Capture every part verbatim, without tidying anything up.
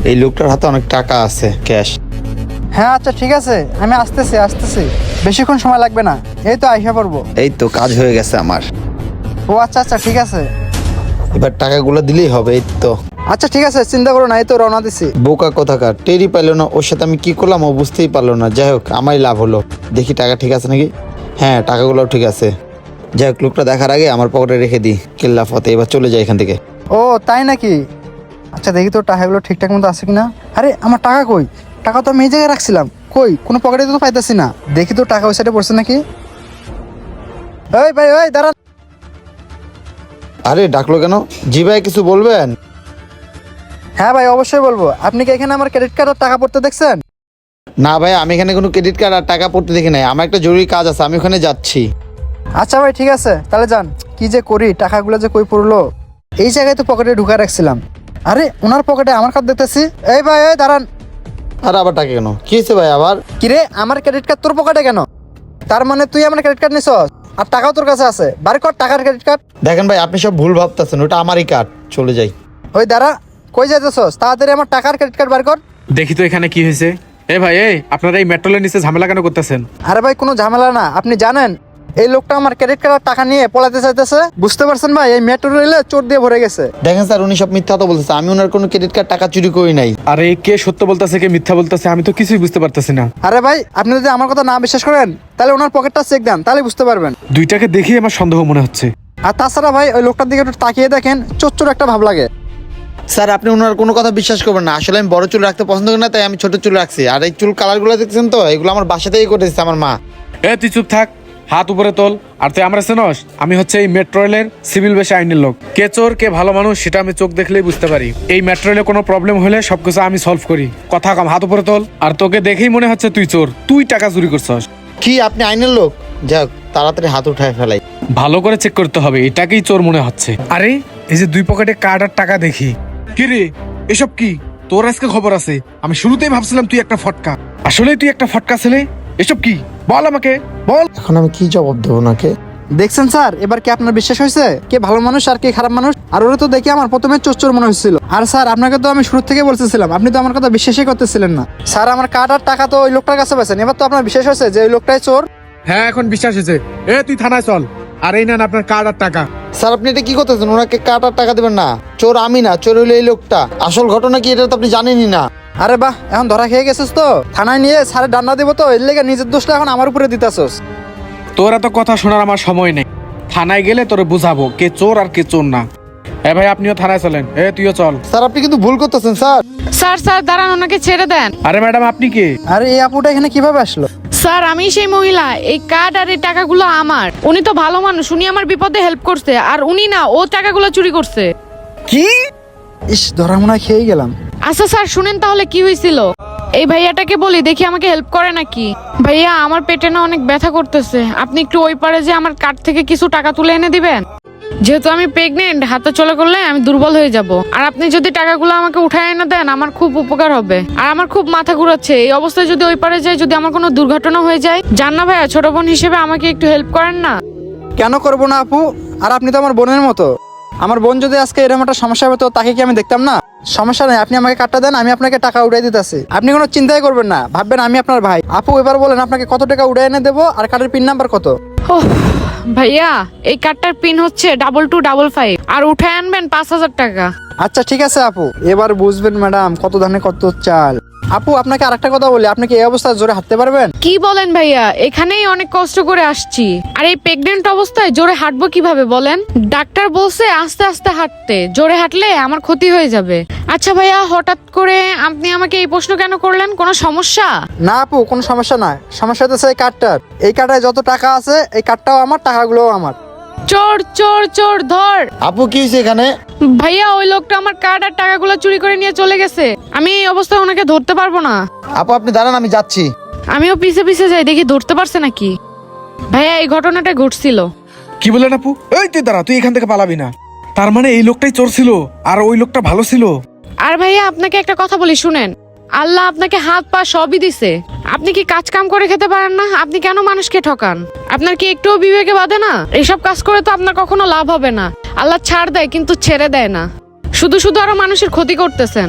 এই লোকটার হাতে অনেক টাকা আছে, ক্যাশ। হ্যাঁ আচ্ছা ঠিক আছে, আমি আসতেছি আসতেছি বেশিক্ষণ সময় লাগবে না, এই তো আইসা পড়বো। এই তো কাজ হয়ে গেছে আমার। ও আচ্ছা আচ্ছা ঠিক আছে। এবার টাকাগুলো দিলেই হবে। এই তো। আচ্ছা ঠিক আছে, চিন্তা করো না, এই তো রওনা দিছি। বোকা কোথাকার, টেরই পাইলো না ওর সাথে আমি কি করলাম, ও বুঝতেই পারলো না। যাই হোক, আমারই লাভ হলো। দেখি টাকা ঠিক আছে নাকি। হ্যাঁ, টাকাগুলোও ঠিক আছে। যাই হোক, লোকটা দেখার আগে আমার পকেটে রেখে দিই। কেল্লা ফতে, এবার চলে যাই এখান থেকে। ও তাই নাকি? আচ্ছা দেখি তো টাকাগুলো ঠিকঠাক মতো আছে কিনা। আরে আমার টাকা কই? টাকা তো আমি এই জায়গায় রাখছিলাম, কই কোনো পকেটে তো পাইতেছি না। দেখি তো টাকা ওই সাইডে পড়ছে নাকি। এই ভাই ওই দাঁড়ান। আরে ডাকলো কেন? জি ভাই, কিছু বলবেন? হ্যাঁ ভাই অবশ্যই বলবো। আপনি কি এখানে আমার ক্রেডিট কার্ড আর টাকা পড়তে দেখছেন? না ভাই, আমি এখানে কোনো ক্রেডিট কার্ড আর টাকা পড়তে দেখি নাই। আমার একটা জরুরি কাজ আছে, আমি ওখানে যাচ্ছি। আচ্ছা ভাই ঠিক আছে, তাহলে যান। কি যে করি, টাকাগুলো যে কই পড়লো। এই জায়গায় তো পকেটে ঢুকা রাখছিলাম। আরে ওনার পকেটে আমার কার্ড দেখতেছি। এই ভাই এই দাঁড়ান। আর আবার টাকা কেন? কি হয়েছে ভাই আবার? কিরে, আমার ক্রেডিট কার্ড তোর পকেটে কেন? তার মানে তুই আমার ক্রেডিট কার্ড নিছস আর টাকাও তোর কাছে আছে। বাড়ি কর টাকার ক্রেডিট কার্ড। দেখেন ভাই, আপনি সব ভুল ভাবতেছেন, ওটা আমারই কার্ড। চলে যাই। ওই দাঁড়া, কই যাইতেছস? তাড়াতাড়ি আমার টাকার ক্রেডিট কার্ড বার কর। দেখি তো এখানে কি হয়েছে। এ ভাই, এই আপনারা এই মেট্রোলের নিচে ঝামেলা কেন করতেছেন? আরে ভাই কোনো ঝামেলা না, আপনি জানেন এই লোকটা আমার ক্রেডিট কার্ড টাকা নিয়ে পলাতে চাইতেছে। বুঝতে পারছেন ভাই, এই মেট্রো রেলে চোর দিয়ে ভরে গেছে। দেখেন স্যার, উনি সব মিথ্যা তো বলতেছে। আমি ওনার কোনো ক্রেডিট কার্ড টাকা চুরি করি নাই। আরে কে সত্য বলতেছে কে মিথ্যা বলতেছে আমি তো কিছুই বুঝতে পারতেছি না। আরে ভাই আপনি যদি আমার কথা না বিশ্বাস করেন তাহলে ওনার পকেটটা চেক দেন, তাহলে বুঝতে পারবেন। দুইটাকে দেখেই আমার সন্দেহ মনে হচ্ছে। আর তাছাড়া ভাই ওই লোকটার দিকে একটু তাকিয়ে দেখেন, চোর চোর একটা ভাব লাগে। স্যার, আপনি ওনার কোনো কথা বিশ্বাস করবেন না। আসলে আমি বড় চুল রাখতে পছন্দ করি না, তাই আমি ছোট চুল রাখছি। আর এই চুল কালারগুলো দেখছেন তো, এগুলো আমার বাসা থেকেই করে দিচ্ছে আমার মা। এ তুই চুপ থাক, হাত উপরে তোল। আর তুই আমরা চেনস? আমি হচ্ছে এই মেট্রো রেলের সিভিল বেশি আইনের লোক। কে চোর কে ভালো মানুষ সেটা আমি চোখ দেখলেই বুঝতে পারি। এই মেট্রো রেলে কোনো প্রবলেম হলে সবকিছু আমি সলভ করি। কথা কম, হাত উপরে তোল। আর তোকে দেখেই মনে হচ্ছে তুই চোর, তুই টাকা চুরি করছস। কি আপনি আইনের লোক? যাক, তাড়াতাড়ি হাত উঠায় ফেলাই। ভালো করে চেক করতে হবে, এটাকেই চোর মনে হচ্ছে। আরে এই যে দুই পকেটে কার্ড আর টাকা দেখি। কি রে, এসব কি? তোর আজকে খবর আছে? আমি শুরুতেই ভাবছিলাম তুই একটা ফটকা, আসলে তুই একটা ফটকা ছেলে। এসব কি বল আমাকে, বল। এখন আমি কি জবাব দেবো ওনাকে? দেখছেন স্যার, এবার কি আপনার বিশ্বাস হয়েছে কে ভালো মানুষ আর কে খারাপ মানুষ? আর ওরা তো দেখে আমার প্রথমে চোর চোর মনে হচ্ছিল। আর স্যার আপনাকে তো আমি শুরু থেকে বলতেছিলাম, আপনি তো আমার কথা বিশ্বাসই করতেছিলেন না। স্যার আমার কার্ড আর টাকা তো ওই লোকটার কাছে পেয়েছেন, এবার তো আপনার বিশ্বাস হয়েছে যে ওই লোকটাই চোর। হ্যাঁ এখন বিশ্বাস হয়েছে। এ তুই থানায় চল। আর এই নেন আপনার কার্ড আর টাকা। স্যার, আপনি এটা কি করতেছেন? ওনাকে কাট আর টাকা দেবেন না। চোর আমি না, চোর হইলো এই লোকটা। আসল ঘটনা কি এটা তো আপনি জানেনই না। আরে বাহ, এখন ধরা খেয়ে গেছিস তো, থানায় নিয়ে স্যারের ডান্ডা দিব তো, এর লেগে নিজের দোষটা এখন আমার উপরে দিতেছস। তোর এত কথা শোনার আমার সময় নেই। থানায় গেলে তোরে বুঝাবো কে চোর আর কে চোর না। এ ভাই আপনিও থানায় চলেন। এ তুইও চল। স্যার, আপনি কিন্তু ভুল করতেছেন স্যার। স্যার স্যার দাঁড়ান, ওনাকে ছেড়ে দেন। আরে ম্যাডাম আপনি কে? আরে এই আপুটা এখানে কিভাবে আসলো? স্যার আমি সেই মহিলা, এই কার্ড আর এই টাকাগুলো আমার। উনি তো ভালো মানুষ, উনি আমার বিপদে হেল্প করছে। আর উনি না, ও টাকাগুলো চুরি করছে। কি? ইস, ধরা মনে হয় খেয়েই গেলাম। আচ্ছা স্যার শুনেন তাহলে কি হয়েছিল। এই ভাইয়াটাকে বলি দেখি আমাকে হেল্প করে নাকি। ভাইয়া আমার পেটে না অনেক ব্যথা করতেছে, আপনি একটু ওই পারে যে আমার কার্ড থেকে কিছু টাকা তুলে এনে দিবেন। যেহেতু আমি প্রেগনেন্ট, হাতে চলে করলে আমি দুর্বল হয়ে যাব। আর আপনি যদি টাকাগুলো আমাকে উঠায় এনে দেন আমার খুব উপকার হবে। আর আমার খুব মাথা ঘুরাচ্ছে, এই অবস্থায় যদি ওই পারে যাই, যদি আমার কোনো দুর্ঘটনা হয়ে যায়। জান না ভাইয়া, ছোট বোন হিসেবে আমাকে একটু হেল্প করেন না। কেন করবো না আপু? আর আপনি তো আমার বোনের মতো। আমার বোন যদি আজকে এরকম একটা সমস্যা হবে তো তাকে কি আমি দেখতাম না? সমস্যা নেই, আপনি আমাকে কার্ডটা দেন, আমি আপনাকে টাকা উড়াই দিতেছি। আপনি কোনো চিন্তাই করবেন না, ভাববেন আমি আপনার ভাই। আপু এবার বলেন আপনাকে কত টাকা উড়াই এনে দেবো, আর কার্ডের পিন নাম্বার কত? ওহ ভাইয়া, এই কার্ডটার পিন হচ্ছে ডাবল টু ডাবল ফাইভ, আর উঠায় আনবেন পাঁচ হাজার টাকা। আচ্ছা ঠিক আছে আপু, এবার বুঝবেন ম্যাডাম কত ধানে কত চাল। আপু আপনাকে আরেকটা কথা বলি, আপনি কি এই অবস্থায় জোরে হাঁটতে পারবেন? কি বলেন ভাইয়া, এখানেই অনেক কষ্ট করে আসছি। আর এই প্রেগনেন্ট অবস্থায় জোরে হাঁটবো কিভাবে বলেন? ডাক্তার বলছে আস্তে আস্তে হাঁটতে, জোরে হাঁটলে আমার ক্ষতি হয়ে যাবে। আচ্ছা ভাইয়া, হঠাৎ করে আপনি আমাকে এই প্রশ্ন কেন করলেন? কোনো সমস্যা? না আপু, কোনো সমস্যা নাই। সমস্যা হচ্ছে এই কার্ডটার। এই কার্ডে যত টাকা আছে এই কার্ডটাও আমার, টাকাগুলোও আমার। চোর চোর চোর ধর। আপু কি হয়েছে এখানে? ভাইয়া ওই লোকটা আমার কার্ড আর টাকাগুলো চুরি করে নিয়ে চলে গেছে। আমি এই অবস্থায় ওনাকে ধরতে পারবো না। আপু আপনি দাঁড়ান, আমি যাচ্ছি। আমিও পিছে পিছে যাই, দেখি ধরতে পারছে নাকি। ভাইয়া এই ঘটনাটা ঘটছিল। কি বলেন আপু? এই তুই দাঁড়া, তুই এখান থেকে পালাবি না। তার মানে এই লোকটাই চোর ছিল আর ওই লোকটা ভালো ছিল। আর ভাইয়া আপনাকে একটা কথা বলি শুনেন, আল্লাহ আপনাকে হাত পা সবই দিছে। আপনি কি কাজ কাম করে খেতে পারেন না? আপনি কেন মানুষকে ঠকান? আপনার কি একটুও বিবেকে বাঁধে না? এসব কাজ করে তো আপনার কখনো লাভ হবে না। আল্লাহ ছাড় দেয় কিন্তু ছেড়ে দেয় না। শুধু শুধু আরো মানুষের ক্ষতি করতেছেন।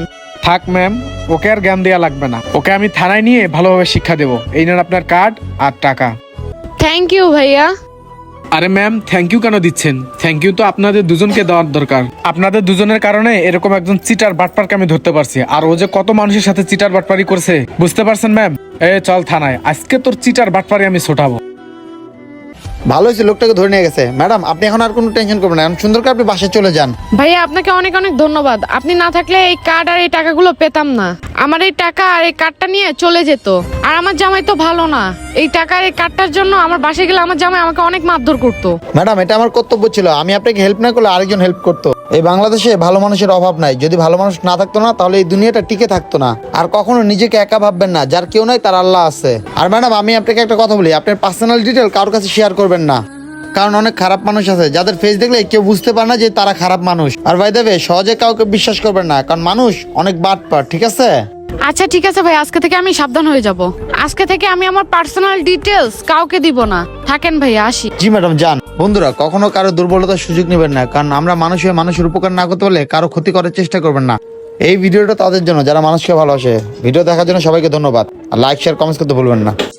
থাক ম্যাম, ওকে আর জ্ঞান দেওয়া লাগবে না। ওকে আমি থানায় নিয়ে ভালোভাবে শিক্ষা দেবো। এই নেন আপনার কার্ড আর টাকা। থ্যাংক ইউ ভাইয়া। আরে ম্যাম, থ্যাংক ইউ কেন দিচ্ছেন? থ্যাংক ইউ তো আপনাদের দুজনকে দেওয়ার দরকার। আপনাদের দুজনের কারণে এরকম একজন চিটার বাটপারকে আমি ধরতে পারছি। আর ও যে কত মানুষের সাথে চিটার বাটপারি করছে বুঝতে পারছেন ম্যাম? এ চল থানায়, আজকে তোর চিটার বাটপারি আমি ছোটাবো। ভালো হয়েছে, লোকটাকে ধরে নিয়ে গেছে। ম্যাডাম, আপনি এখন আর কোনো টেনশন করবেন না, এখন সুন্দর করে আপনি বাসায় চলে যান। ভাইয়া আপনাকে অনেক অনেক ধন্যবাদ। আপনি না থাকলে এই কার্ড আর এই টাকাগুলো পেতাম না। আমার এই টাকা আর এই কার্ডটা নিয়ে চলে যেত। আর আমার জামাই তো ভালো না, এই টাকা আর এই কার্ডটার জন্য আমার বাসায় গেলে আমার জামাই আমাকে অনেক মারধর করতো। ম্যাডাম, এটা আমার কর্তব্য ছিল, আমি আপনাকে হেল্প না করলে আরেকজন হেল্প করতো। এই বাংলাদেশে ভালো মানুষের অভাব নাই। যদি ভালো মানুষ না থাকতো না, তাহলে এই দুনিয়াটা টিকে থাকতো না। আর কখনো নিজেকে একা ভাববেন না, যার কেউ নাই তার আল্লাহ আছে। আর ম্যাডাম, আমি আপনাকে একটা কথা বলি, আপনার পার্সোনাল ডিটেল কারোর কাছে শেয়ার করবেন না, কারণ অনেক খারাপ মানুষ আছে যাদের ফেস দেখলে কেউ বুঝতে পারে না যে তারা খারাপ মানুষ। আর ভাই দেবে সহজে কাউকে বিশ্বাস করবেন না, কারণ মানুষ অনেক বাটপার, ঠিক আছে? আচ্ছা ঠিক আছে ভাই, আজকে থেকে আমি সাবধান হয়ে যাব। আজকে থেকে আমি আমার পার্সোনাল ডিটেলস কাউকে দিব না। থাকেন ভাইয়া, আসি। জি ম্যাডাম, যান। বন্ধুরা, কখনো কারো দুর্বলতার সুযোগ নেবেন না, কারণ আমরা মানুষ হয়ে মানুষের উপকার না করতে পারলে কারো ক্ষতি করার চেষ্টা করবেন না। এই ভিডিওটা তাদের জন্য যারা মানুষকে ভালোবাসে। ভিডিও দেখার জন্য সবাইকে ধন্যবাদ। আর লাইক শেয়ার কমেন্টস করতে ভুলবেন না।